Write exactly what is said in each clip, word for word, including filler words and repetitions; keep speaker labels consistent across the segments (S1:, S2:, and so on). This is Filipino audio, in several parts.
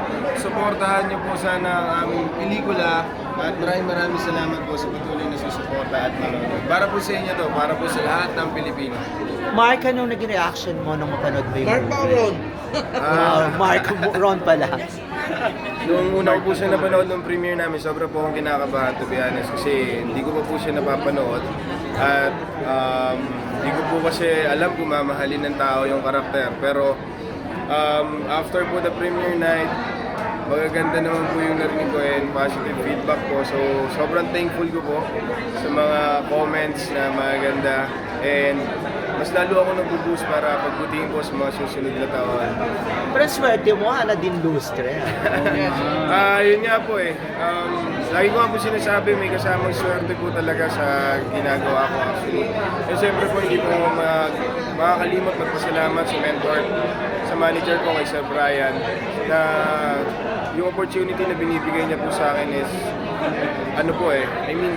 S1: Suportahan niyo po sana ang aming pelikula at maraming maraming salamat po sa patuloy na susuporta at manonood. Para po sa inyo to, para po sa lahat ng Pilipino.
S2: Mark, anong naging reaction mo nung mapanood mo yung
S3: Mark
S2: movie?
S3: Pauron.
S2: Ah, Mark, Ron pala.
S1: Nung una ko po siya napanood ng premiere namin, sobra po akong kinakabahan to be honest kasi hindi ko pa po siya napapanood at um, hindi ko po kasi alam kung mamahalin ng tao yung karakter. Pero um, after po the premiere night, magaganda naman po yung narinig ko and positive feedback po. So sobrang thankful ko po sa mga comments na magaganda and mas lalo ako nag-boost para pagbutihin po sa mga susunod na taon.
S2: Pero swerte mo, Ana din lustre.
S1: Ah, yun nga po eh. Um, lagi ko nga po sinasabi, may kasamang swerte po talaga sa ginagawa ko actually. And siyempre po hindi po mag, makakalimot magpasalamat sa mentor, sa manager ko kay Sir Brian, na yung opportunity na binibigay niya po sa akin is, ano po eh, I mean,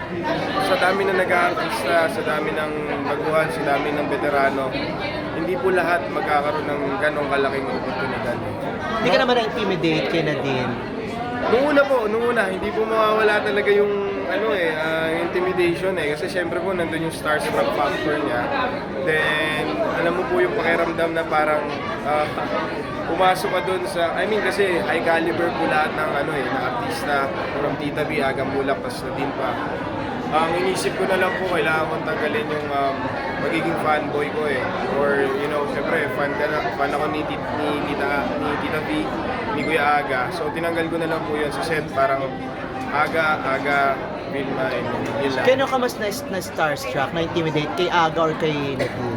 S1: sa dami ng nag-aartista, sa dami ng baguhan, sa dami ng veterano, hindi po lahat magkakaroon ng ganong kalaking oportunidad.
S2: Hindi ka naman na-intimidate kay Nadine.
S1: Nung una po, nung una, hindi po mawawala talaga yung ano eh, ah, intimidation eh. Kasi syempre po, nandun yung starstruck factor niya. Then, alam mo po yung pakiramdam na parang ah, pumasok ka dun sa, I mean kasi high caliber po lahat ng ano eh, na artista from Tita B, Agang Bulak, tas Nadine pa. Ang inisip ko na lang po, kailangan kong tanggalin yung um, magiging fanboy ko eh. Or, you know, syempre, fan, ka na, fan ako ni, tit, ni, tita, ni Tita B, ni Kuya Aga. So, tinanggal ko na lang po yun sa set. Parang Aga, Aga, Vilma, and yun lang.
S2: Kano ka mas na, na starstruck, na-intimidate kay Aga or kay Nadine?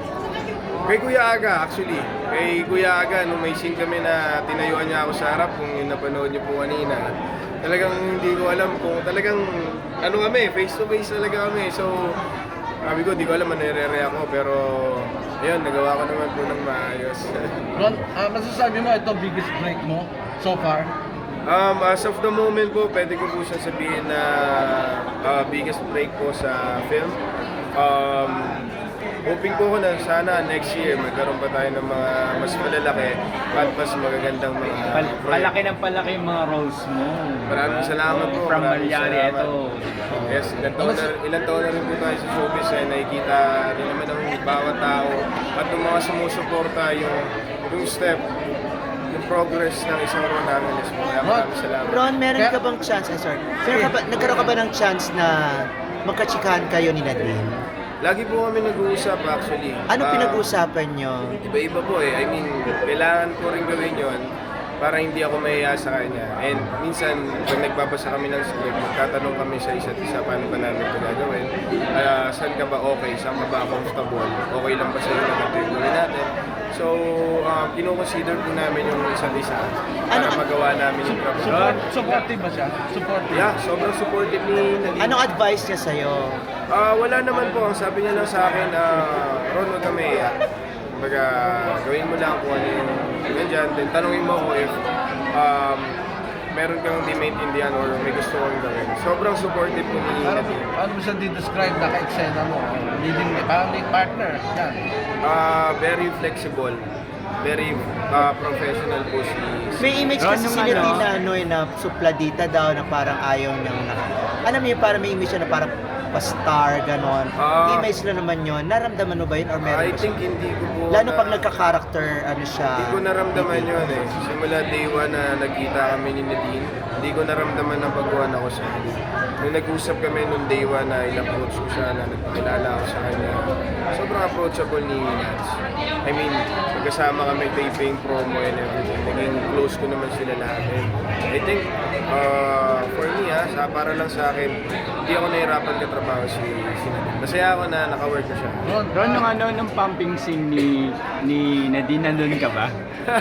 S1: Kay Kuya Aga, actually. Kay Kuya Aga, nung may scene kami na tinayuan niya ako sa harap, kung yung napanood niyo po kanina, talagang hindi ko alam kung talagang ano kami, face to face talaga kami. So, sabi ko, hindi ko alam ano nire ako, pero ayun, nagawa ko naman po ng maayos.
S3: Ron, ah, masasabi mo ito biggest break mo so far?
S1: Um, as of the moment po, pwede ko po siya sabihin na uh, biggest break po sa film. Um, hoping po ko na sana next year magkaroon pa tayo ng mga mas malalaki at mas magagandang mga
S4: Pal
S1: project.
S4: palaki ng palaki yung mga roles mo.
S1: Maraming salamat po.
S4: From
S1: maraming
S4: Malyari,
S1: salamat.
S4: ito. Diba?
S1: Yes, ilang taon, na, ilang taon na rin po tayo sa showbiz eh, nakikita rin naman ng bawat tao at ng mga sumusuporta yung, yung step, yung progress ng isang Ron Angeles po. Kaya maraming salamat.
S2: Ron, meron
S3: Kaya-
S2: ka bang chance, eh, sorry, meron ka ba, nagkaroon ka ba ng chance na magkatsikahan kayo ni Nadine?
S1: Lagi po kami nag-uusap actually.
S2: Ano
S1: Ah,
S2: pinag-uusapan nyo?
S1: Iba-iba po eh. I mean, kailangan ko rin gawin yon para hindi ako mahiya sa kanya. And minsan, pag nagbabasa kami ng script, magtatanong kami sa isa't isa paano ba namin ito gagawin. Ah, saan ka ba okay? Saan ka ba comfortable? Okay lang ba sa'yo na ito yung gawin natin? So, uh, kinoconsider po namin yung isa't isa para
S2: Ano-
S1: magawa namin yung trabaho.
S3: Support, supportive ba siya? Supportive?
S1: Yeah, sobrang supportive ni Nadine.
S2: Anong advice niya sa'yo?
S1: Ah, wala naman po. Ang sabi niya lang sa akin, ah, Ron, huwag ka maiyak. Kumbaga, gawin mo lang kung ano yung ganyan. Then tanungin mo ako if um, meron kang di maintindihan or may gusto kang gawin. Sobrang supportive po ni
S3: Paano,
S1: Nadine.
S3: paano mo siya di-describe na ka-eksena mo? Leading, parang lead partner. Yan.
S1: Ah, very flexible. Very ah, professional po si...
S2: May image
S4: Ron,
S2: kasi
S4: yung
S2: si Nadine
S4: ano-
S2: na ano eh, na supladita daw na parang ayaw niyang na. Alam mo yun, parang may image siya na parang pa-star, ganon.
S1: Ah.
S2: Image lang naman yun. Naramdaman mo ba yun or meron
S1: I
S2: ba
S1: think
S2: siya?
S1: hindi ko po...
S2: Lalo
S1: na-
S2: pag nagka-character, ano siya.
S1: Hindi ko naramdaman yun eh. Simula day one na nagkita kami ni Nadine, hindi ko naramdaman na baguhan ako sa kanya. Nung nag-usap kami nung day one na in-approach ko siya, na nagpakilala ako sa kanya, sobrang approachable ni Nats. I mean, magkasama kami taping promo and everything. Naging close ko naman sila lahat. And I think, uh, for me ha, sa, para lang sa akin, hindi ako nahirapan katrabaho si, si Nadine. Masaya ako na naka-work ko siya.
S3: Ron,
S4: Ron, nung ano, nung pumping scene ni, ni Nadine, nandun ka ba?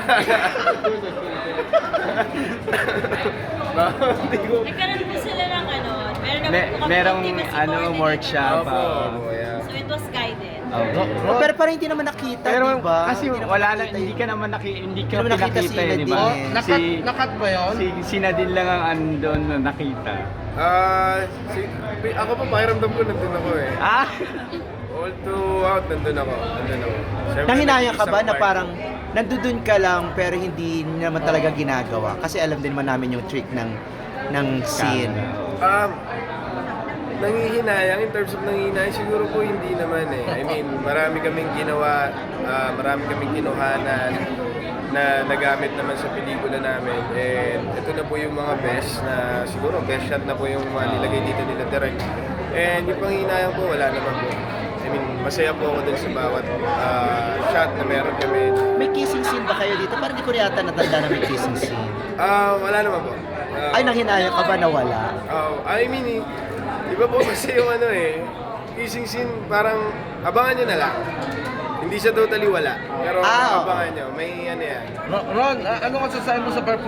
S1: Hindi ko...
S5: Nagkaroon po sila ng ano, meron naman
S4: Me
S5: po kami
S4: merong
S5: intimacy
S4: ano,
S5: coordinator.
S4: workshop.
S1: Opo,
S4: ah.
S1: opo, yeah.
S5: So it was guided.
S4: Oh.
S3: Ron,
S2: Oh, pero parang hindi naman nakita,
S4: Pero
S2: di ba?
S4: kasi
S2: Hindi naman
S4: wala na,
S2: nakita
S4: hindi
S2: yun.
S4: ka naman naki, hindi ka
S2: Hindi naman nakita
S4: pinakita
S2: si
S4: eh, di ba?
S2: Nadine.
S3: oh, nakat, nakat ba yun?
S4: si, si Nadine lang ang andon na nakita.
S1: Ah, si, ako pa pakiramdam ko nandun ako eh.
S4: Ah!
S1: all throughout, nandun ako. Nandun ako. Siyempre,
S2: Nanghinayang ka
S1: nag-iisang
S2: ba na
S1: part.
S2: parang nandudun ka lang pero hindi naman talaga ginagawa? Kasi alam din naman namin yung trick ng ng scene.
S1: Um, nangihinayang, in terms of nangihinayang, siguro po hindi naman eh. I mean, marami kaming ginawa, ah, marami kaming kinuhanan na nagamit naman sa pelikula namin. And ito na po yung mga best na siguro best shot na po yung mga nilagay dito nila direct. And yung panghihinayang po, wala naman po. I mean, masaya po ako dun sa bawat ah, shot na meron kami.
S2: May kissing scene ba kayo dito? Parang di ko yata natanda na may kissing scene.
S1: Ah, wala naman po. Ah,
S2: Ay, nanghinayang ka ba na wala?
S1: Oh, I mean, eh, iba po kasi yung ano eh, kissing scene parang abangan nyo na lang. Hindi siya totally wala. Pero
S2: Ah, oo.
S1: abangan nyo, may ano yan.
S3: Ron, Ron, ah, ano ka sasabi mo sa performance